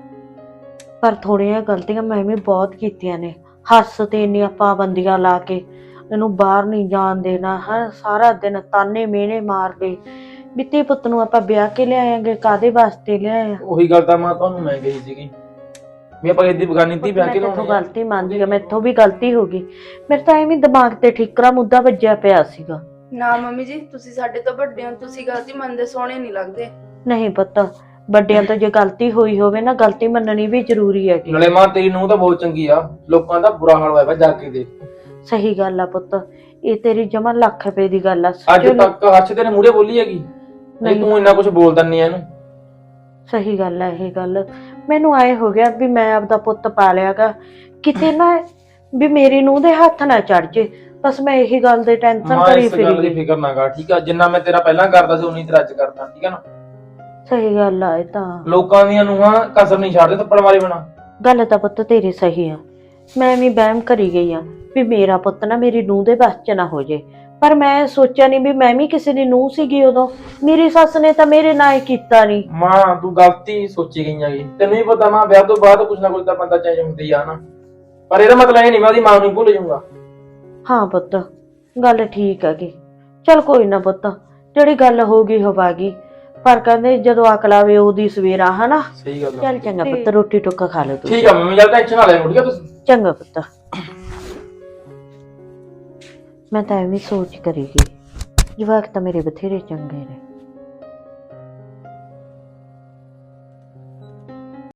A: ਪਰ ਥੋੜ੍ਹੀਆਂ ਗਲਤੀਆਂ ਮੈਂ ਵੀ ਬਹੁਤ ਕੀਤੀਆਂ ਨੇ। ਹੱਸ ਤੇ ਇੰਨੀਆਂ ਪਾਬੰਦੀਆਂ ਲਾ ਕੇ ਇਹਨੂੰ ਬਾਹਰ ਨਹੀਂ ਜਾਣ ਦੇਣਾ, ਹੈ ਸਾਰਾ ਦਿਨ ਤਾਨੇ ਮਿਹਣੇ ਮਾਰ ਲਏ ਵੀ ਧੀ ਪੁੱਤ ਨੂੰ ਆਪਾਂ ਵਿਆਹ ਕੇ ਲਿਆਏਂਗੇ, ਕਾਹਦੇ ਵਾਸਤੇ ਲਿਆਏ ਆ।
B: ਉਹੀ ਗੱਲ ਤਾਂ ਮੈਂ ਤੁਹਾਨੂੰ ਮੈਂ ਕਹੀ ਸੀਗੀ ਵੀ ਆਪਾਂ ਇਹਦੀ ਬਗਾਨੀ ਧੀ ਵਿਆਹ ਕੇ
A: ਮੈਥੋਂ ਗਲਤੀ ਮੰਨਦੀ ਆ, ਮੈਥੋਂ ਵੀ ਗਲਤੀ ਹੋ ਗਈ। ਮੇਰੇ ਤਾਂ ਐਵੇਂ ਦਿਮਾਗ ਤੇ ਠੀਕਰਾ ਮੁੱਦਾ ਵੱਜਿਆ ਪਿਆ ਸੀਗਾ।
C: ਨਾ ਮੰਮੀ ਜੀ ਤੁਸੀਂ ਸਾਡੇ ਤੋਂ ਵੱਡੇ ਹੋ, ਤੁਸੀਂ ਗਲਤੀ ਮੰਨਦੇ ਸੋਹਣੇ ਨਹੀਂ ਲੱਗਦੇ।
A: ਨਹੀਂ ਪੁੱਤ, ਵੱਡਿਆਂ ਤੋਂ ਜੇ ਗਲਤੀ ਹੋਈ ਹੋਵੇ ਨਾ ਗਲਤੀ ਮੰਨਣੀ ਵੀ ਜ਼ਰੂਰੀ ਹੈ।
B: ਨਾਲੇ ਮਾਂ ਤੇਰੀ ਨੂੰਹ ਤਾਂ ਬਹੁਤ ਚੰਗੀ ਆ, ਲੋਕਾਂ ਦਾ ਬੁਰਾ ਹਾਲ ਹੋਇਆ ਵਾ ਜਾ ਕੇ ਦੇਖ।
A: ਸਹੀ ਗੱਲ ਆ ਪੁੱਤ, ਇਹ ਤੇਰੀ ਜਮਾ ਲੱਖ ਰੁਪਏ ਦੀ ਗੱਲ ਆ।
B: ਅੱਜ ਤੱਕ ਹੱਥ ਤੇਰੇ ਮੂਹਰੇ ਬੋਲੀ ਹੈਗੀ ਨਹੀਂ, ਤੂੰ ਇੰਨਾ ਕੁਝ ਬੋਲਦਾ ਨਹੀਂ ਇਹਨੂੰ।
A: ਸਹੀ ਗੱਲ ਆ ਇਹ ਗੱਲ। ਮੈਨੂੰ ਆਏ ਹੋ ਗਿਆ ਵੀ ਮੈਂ ਆਪਦਾ ਪੁੱਤ ਪਾਲਿਆਗਾ, ਕਿਤੇ ਨਾ ਵੀ ਮੇਰੀ ਨੂੰਹ ਦੇ ਹੱਥ ਨਾ ਚੜ ਜੇ। ਬਸ ਮੈਂ ਇਹੀ ਗੱਲ ਦੇ ਟੈਨਸ਼ਨ ਕਰੀ ਫਿਰੀ।
B: ਇਸ ਗੱਲ ਦੀ ਫਿਕਰ ਨਾ ਕਰ, ਠੀਕ ਆ? ਜਿੰਨਾ ਮੈਂ ਤੇਰਾ ਪਹਿਲਾਂ ਕਰਦਾ ਸੀ ਉਨੀ ਤੇਰਾ ਅੱਜ ਕਰਦਾ, ਠੀਕ ਆ ਨਾ?
A: ਸਹੀ ਗੱਲ ਆ ਇਹ ਤਾਂ।
B: ਲੋਕਾਂ ਦੀਆਂ ਨੂੰਹਾਂ ਕਸਰ ਨਹੀਂ ਛੱਡਦੇ ਥੱਪੜ ਮਾਰੇ ਬਣਾ।
A: ਗੱਲ ਤਾਂ ਪੁੱਤ ਤੇਰੀ ਸਹੀ ਆ, ਮੈਂ ਵੀ ਵਹਿਮ ਕਰੀ ਗਈ ਆ ਵੀ ਮੇਰਾ ਪੁੱਤ ਨਾ ਮੇਰੀ ਨੂੰਹ ਦੇ ਬਸ ਚ ਨਾ ਹੋ ਜੇ। ਪਰ ਮੈਂ ਸੋਚਿਆ ਨਹੀਂ ਵੀ ਮੈਂ ਵੀ ਕਿਸੇ ਦੀ ਨੂੰਹ ਸੀਗੀ ਉਦੋਂ। ਮੇਰੀ ਸੱਸ ਨੇ ਤਾਂ ਮੇਰੇ ਨਾਲ ਹੀ ਕੀਤਾ ਨਹੀਂ।
B: ਮਾਂ ਤੂੰ ਗਲਤੀ ਸੋਚੀ ਗਈ ਹੈਗੀ, ਤੈਨੂੰ ਹੀ ਪਤਾ ਮਾਂ ਵਿਆਹ ਤੋਂ ਬਾਅਦ ਕੁਝ ਨਾ ਕੁਝ ਤਾਂ ਬੰਦਾ ਚੇਂਜ ਹੁੰਦੀ ਆ ਨਾ। ਪਰ ਇਹਦਾ ਮਤਲਬ ਇਹ ਨਹੀਂ ਮੈਂ ਉਹਦੀ ਮਾਂ ਨੂੰ ਭੁੱਲ ਜਾਊਂਗਾ।
A: ਹਾਂ ਪੁੱਤ ਗੱਲ ਠੀਕ ਹੈਗੀ। ਚੱਲ ਕੋਈ ਨਾ ਪੁੱਤ, ਜਿਹੜੀ ਗੱਲ ਹੋ ਗਈ ਹੋ ਗਈ। ਪਰ ਕਹਿੰਦੇ ਜਦੋਂ ਅਕਲ ਆਵੇ ਉਹਦੀ ਸਵੇਰਾ, ਹਨਾ?
B: ਸਹੀ ਗੱਲ ਆ।
A: ਚੱਲ ਚੰਗਾ ਪੁੱਤ, ਰੋਟੀ ਟੁੱਕਾ ਖਾ ਲਓ ਤੂੰ।
B: ਠੀਕ ਆ ਮੰਮੀ, ਚੱਲ ਟੈਨਸ਼ਨ ਨਾ ਲੈ ਠੀਕ ਆ ਤੁਸੀਂ।
A: ਚੰਗਾ ਪੁੱਤ। ਮੈਂ ਤਾਂ ਐਵੇਂ ਸੋਚ ਕਰੀ ਗਈ, ਜਵਾਕ ਤਾਂ ਮੇਰੇ ਬਥੇਰੇ ਚੰਗੇ ਨੇ।